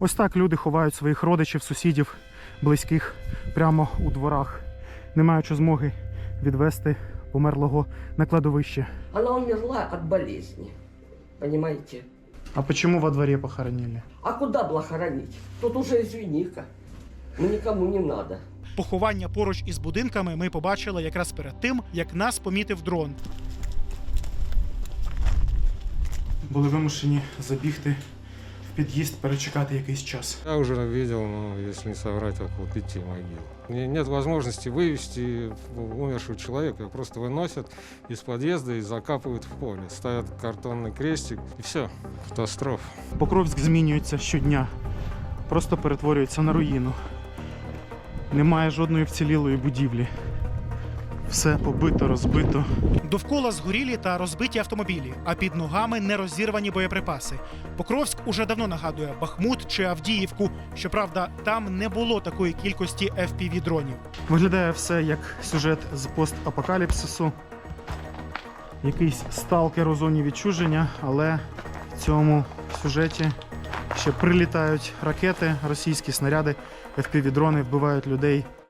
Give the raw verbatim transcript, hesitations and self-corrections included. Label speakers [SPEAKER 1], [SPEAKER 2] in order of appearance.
[SPEAKER 1] Ось так люди ховають своїх родичів, сусідів, близьких прямо у дворах, не маючи змоги відвести померлого на кладовище.
[SPEAKER 2] Она умерла от болезни, понимаете?
[SPEAKER 1] А почему во дворе похоронили?
[SPEAKER 2] А куда было хоронить? Тут уже извини-ка, ну никому не надо.
[SPEAKER 3] Поховання поруч із будинками ми побачили якраз перед тим, як нас помітив дрон.
[SPEAKER 1] Були вимушені забігти в під'їзд, перечекати якийсь час.
[SPEAKER 4] Я уже видел, ну, если не соврать, около пяти могил. Не- Нет возможности вывести умершего человека, просто выносят из подъезда и закапывают в поле. Ставят картонный крестик и все, катастрофа.
[SPEAKER 1] Покровськ змінюється щодня, просто перетворюється на руїну. Немає жодної вцілілої будівлі. Все побито, розбито.
[SPEAKER 3] Довкола згорілі та розбиті автомобілі, а під ногами нерозірвані боєприпаси. Покровськ уже давно нагадує Бахмут чи Авдіївку. Щоправда, там не було такої кількості еф пі ві-дронів.
[SPEAKER 1] Виглядає все як сюжет з постапокаліпсису. Якийсь сталкер у зоні відчуження, але в цьому сюжеті ще прилітають ракети, російські снаряди, еф пі ві-дрони вбивають людей.